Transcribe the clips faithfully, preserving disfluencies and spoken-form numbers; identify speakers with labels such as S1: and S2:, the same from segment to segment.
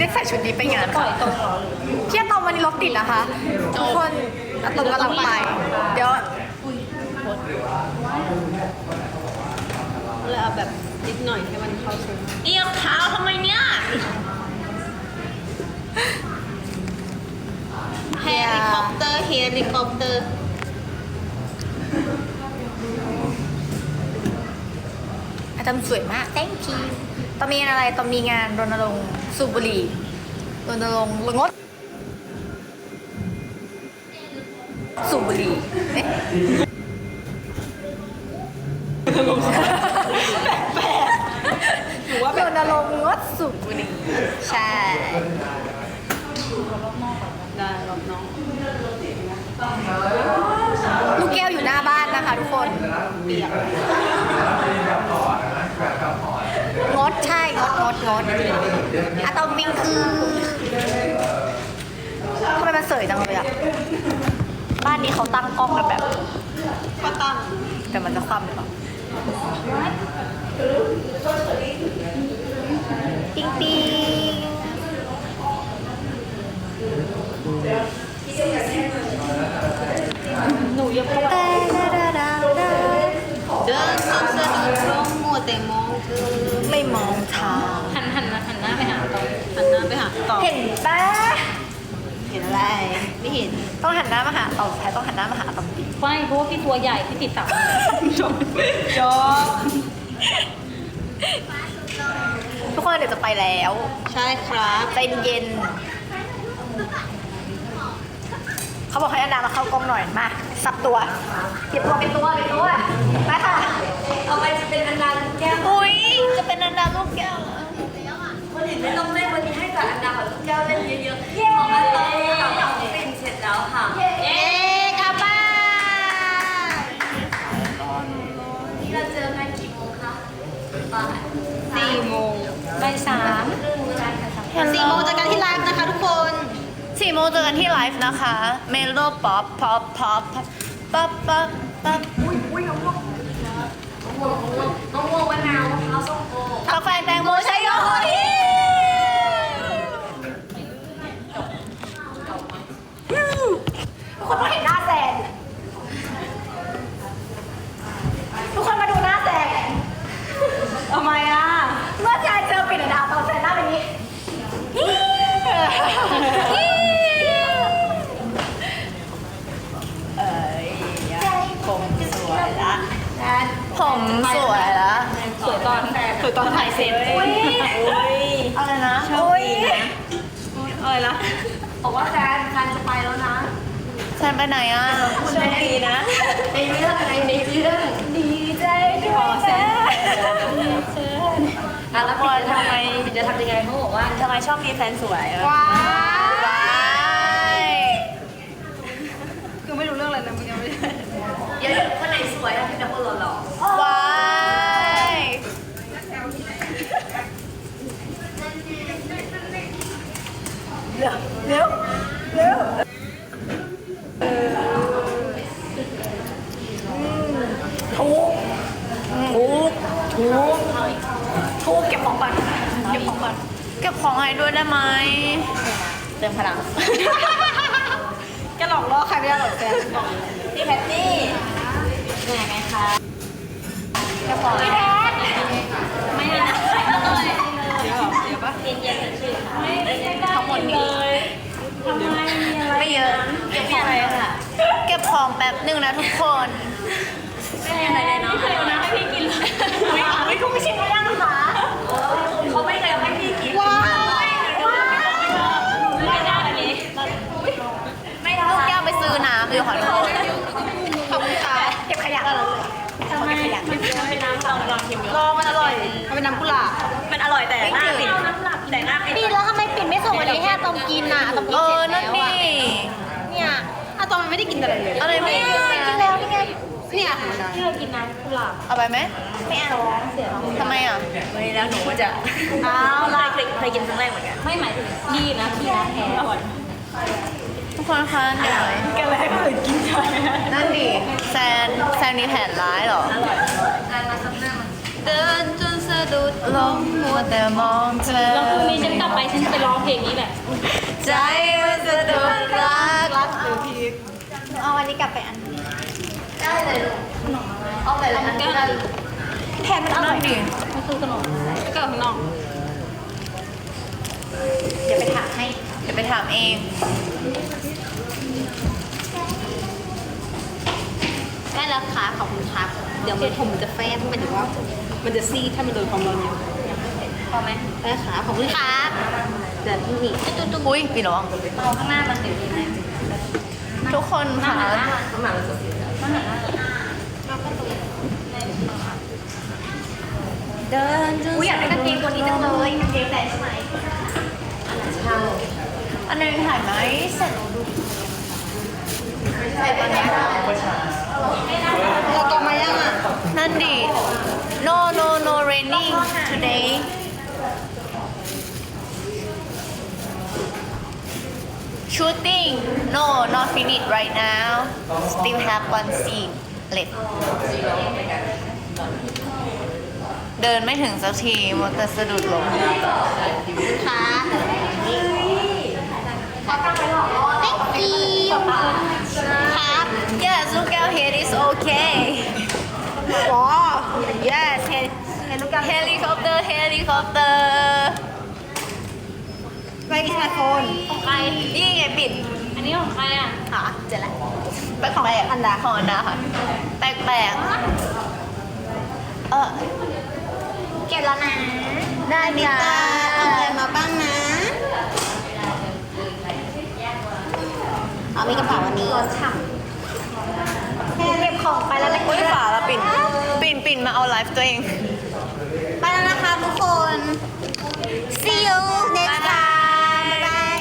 S1: ได้ใส่ชุดนี้ไปงาน
S2: ปล่
S1: ค่ะ
S2: อยตรงเหรอหรือ
S1: เที่ยงตอนวันนี้รถติดนะคะทุกคนอะตอมกำลังไป เดี๋ยว
S2: เลยเอาแบบนิดหน่อยให้มันเข้าซุ้ม
S3: เอียงเท้าทำไมเนี่ยเฮลิคอปเตอร์เฮลิคอปเตอร์
S1: อาจารย์สวยมาก thank you ตอนมีงานอะไรตอนมีงานรณรงค์สูบบุหรี่รณรงค์งดสูบบุหรี่เอ๊ะหรือว่ารณรงค์งดสูบบุหรี่ใช่
S2: ได้รอบน้อง
S1: ลูกแก้วอยู่หน้าบ้านนะคะทุกคน
S2: เปียก
S1: งดใช่งดงดงดอะตอมวิงคือทำไมมันเสยจังเลยอะบ้านนี้เขาตั้งกล้องกันแบบ
S2: ก็ตั้ง
S1: แต่มันจะคว่ำหรือเปล่าปิ๊งปิ๊ง
S2: หนูยังพบ
S1: เต้ดาดาดาดา
S3: เดินจนสะดุดล้มมัวแต่มองเธอ
S1: ไม่มองทาง
S2: หันหันมาหันหน้าไปหาตรง
S3: หันหน้าไปหาต่อ
S1: เห็นปะ
S3: เห็นอะไร ไม่เห็น
S1: ต้องหันหน้ามาหาต่อแพ้ต้องหันหน้ามาหาต่อปี
S2: ไม่เพราะว่าพี่ตัวใหญ่พี่ติดตับจบจบ
S1: ทุกคนเดี๋ยวจะไปแล้ว
S3: ใช่ครับ
S1: ใจเย็นเขาบอกให้อันดามาเข้ากล้องหน่อยมาสับตัวเก็บตัวเป็นตัวเป็นตัวไปค่ะเอาไปจะเป็นอันดาลูกแก้วอุ้ยจะเป็นอันดาลูกแก้วเหรอ
S4: วันอื่นไม่ต้องเล่นวันนี้ให้กับอันดากับลูกแก้วเล่นเยอะๆของอันตอมกับน้องปิ่นเสร็จแล้วค่ะ
S3: เอ๊ะกลับบ้าน
S4: นี่เราเจอกันกี่โมงคะบ่าย
S3: สี่โมง
S2: บ่ายสาม
S4: ครึ่งกันค่ะ
S3: สี่โมงเจอกันที่ไลฟ์นะคะทุกคน
S1: สี่โมงเจอกันที่ไลฟ์นะคะเมโลป๊อปป๊อปป๊อปป๊อปป๊อปป๊อป
S4: อุ้ยอุ้ยน้องม่วงน้องม่วงน้องม่วงมะนาวมะพร้าวส้มโอก
S1: าแฟแตงโมใช้ยอดทุกคนต้องเห็นหน้าแซนทุกคนมาดูหน้าแซน
S2: ทำไมอ่ะ
S1: เมื่อแซนเจอปิ่นดาวตอนแซนหน้าเป็นนี้เอ้ยผมสวยละผมสวยละ
S2: สวยตอนสวยตอนถ่ายเสร็จ
S1: อุ้ยอะไรนะอุ้ย
S2: อะไรนะ
S4: บอกว่าแฟนแฟนจะไปแล้วนะ
S1: แซนไปไหนอ่ะ
S4: โชคดีนะ ในเรื่องอะไรในเรื่อง
S1: ดีใจด้วยนะ
S4: อ่ะแล้วปิ่นจะทำไมปิ่นจะทำยังไงเขาบอกว่า
S1: ทำไมชอบมีแฟนสวยอ่ะ
S4: ว้า
S1: ว้าย
S2: คือไม่รู้เรื่องอะไรนะมึงยังไม่ได้
S4: เดี๋ยวคนไหนสวยอะเป็นแต่คนหล่อ
S1: ว้ายเร็วเร็วเร็วถูกถูกถูกถูกเก็บของก่อนเก็บของก่อนเก็บของให้ด้วยได้ไหมเติมพลัง
S2: แกหลอกล่อใครไม่ได้หรอกแก
S1: พี่แพตตี้
S3: เหนื่อยไหมคะ
S1: เก็บของพี่แพท
S3: ไม่ได้นะไม่ต้องเลย
S2: เดี๋ยวเดี๋ยวปะ
S3: เย็นเย็นๆชื่อค่ะ
S1: ทั้งหมดนี้ไม่เยอะเก็บของค่ะเก็บของแป๊บหนึ่งนะทุกคน
S3: ไม่ได้อะไรเลยเนาะให้นะให้พี่กินเลย
S1: ไม่คุณไม่ชิมไม่ได้นะคะ
S4: ๆเขาไม่เคยให้พี่กิน
S1: ว้าว
S3: ไม่ได้อันนี้
S1: ไม่ลูกแก้วไปซื้อน้ำเลยขอโทษขอบคุณค่ะเก็บขยะเลย
S3: ทำไมไม่เป็นน้ำลองลองชิมดู
S1: ลองมันอร่อย
S2: มันเป็นน้ำกุหลาบ
S3: มันอร่อยแต่หน้าปิดแต่หน้าปิด
S1: พี่แล้วทำไมปิ่นไม่ส่งวันนี้ให้ตอมกินน่ะตอมกินเสร็จแล้วอ่ะเนี่ย
S2: อะตอนมันไม่ได้กินอะไรเลย
S1: อะไรไม่กินกินแล้วนี่ไง
S2: เนี่ย
S3: ที่เรากินน้ำกุหลาบ
S1: เอาไปไหม
S3: ไม่เอาเสีย
S1: ทำไมอ่ะ
S3: ไม่แล้วหนูก็จะ
S1: เอา
S3: เค
S1: ล่ะ
S3: ยเคยเคยกินครั้งแรกเหมือนกัน
S2: ไม่หมายถึงพี่นะพี่นะแพ้อร่อย
S1: ทุกคนคะเดี๋ยว
S2: แกเลยให้คนอื่นกินใช่ไหม
S1: นั่นดิแซนแซนมีแผนร้ายเหรอ
S4: การมาซับหน้ามัน
S3: เดินจนสะดุดลมมัวแต่มองเธอ
S2: แล้วพรุ่งนี้ฉันกลับไปฉันไปร้องเพลงนี้แหละ
S3: ใจมันสะดุดรัก
S1: รักหรือพีคเอาวันนี้กลับไปอันได้เลยลูกเอาไปเลยอันนี้ได้แทนมันอร่อยดี
S2: ไม่ซื้อขนมก็ข้างนอก
S1: เดี๋ยวไปถามให้
S3: เดี๋ยวไปถามเอง
S1: ได้แล้วค่ะขอบคุณครับ
S2: เดี๋ยวมันผมมันจะแฟบหมายถึงว่า มันจะซีดถ้ามันโดนความร้อนเยอะ
S1: พอไหม
S2: ได้ขาขอบคุณค่ะ
S1: ครับ
S2: เดี๋ยวนี่
S1: ตุ้มตุ้ม
S3: อุ้ยปีน้อง
S1: เอาข้างหน้ามันเดี๋ยวดีไหม
S3: ทุกคนค่ะ
S1: เดินอุ้ยอยากได้กางเกงตัวนี้จังเลยกางเกงแต่ใช่ไหมอันนึงถ่ายไหมเสร็จใส่ตอนนี้
S3: เราตกมายังอ่ะ
S1: นั่นดิ no no no raining today shooting no not finished right now still have one scene left
S3: เดินไม่ถึงสักทีมันจะสะดุดล้ม
S1: ค่ะเขาตั้งไปหลอกล่อ
S3: Thank you
S1: ครับ
S3: Yes look at head is okay
S1: ว้า yes เห็นเห็นลูกกา
S3: helicopter helicopter
S1: ไม่มีไอโฟนของใคร
S3: นี่ไงปิด
S2: อันนี้ของใครอ่ะ
S1: ค่ะเจ็ดแล้ว
S3: แปลกๆ
S1: อันดา
S3: ของอันดาค่ะ แปลกๆ เออ
S1: เก็บแล้วนะ ได้
S3: นิ
S1: จ้า
S3: ตาเอาอะไรมาบ้างนะ
S1: เอามีกระเป๋าวันนี้รถฉ่ำเก็บของไปแล้วนะ
S3: อุ้ยฝาละปิ่น ปิ่นปิ่นมาเอาไลฟ์ตัวเอง
S1: ไปแล้วนะคะทุกคน see you next time บ๊ายบาย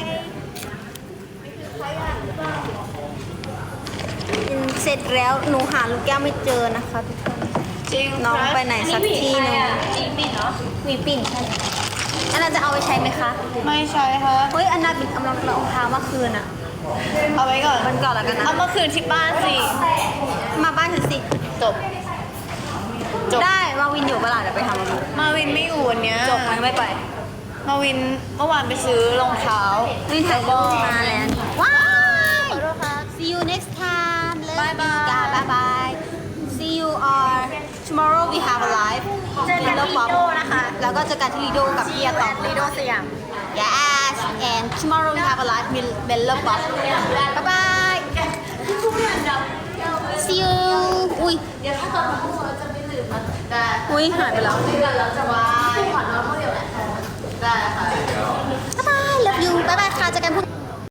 S1: เสร็จแล้วหนูหาลูกแก้วไม่เจอนะคะทุกคน
S3: จริง
S1: น้องไปไหนสักที่หนึง
S2: จีปิดเนาะ
S1: หวีปิ่นใช่อันนั้นจะเอาไปใช้ไหมคะ
S3: ไม่ใช่ค่ะ
S1: เฮ้ยอันนั้นปิ่นกำลังรองเท้าเมื่อคืนอะ
S3: เอาไว้ก่อน
S1: มันก่อนแล้วกันนะ
S3: เอามาคืนที่บ้านสิ
S1: มาบ้านฉันสิ
S3: จบ จบ
S1: ได้มาวินอยู่เวลาเดี๋ยวไปทำมาวิน
S3: มาวินไม่อยู่วันเนี้ย
S1: จบมันไม่ไป
S3: มาวินเมื่อวานไปซื้อรองเท้า
S1: วินถ่ายรูปมาแล้วว้าย
S3: ขอโทษค่ะ
S1: see you next time Love
S3: Bye bye
S1: you guys. bye bye see you or tomorrow we have a live เจอกันที่ลีโดนะคะ แล้วก็เจอกันที่ลีโดกับพี่อาตอมลีโดสยาม yes and tomorrow we have a live Miller Pop bye bye see you อุ้ย
S3: เดี๋ยวถ้าเกิดของพวกเราจะไม่ลืมมันแต่
S1: อุ้ยหายไปแล้ว
S3: เดือนแล้วจะวาย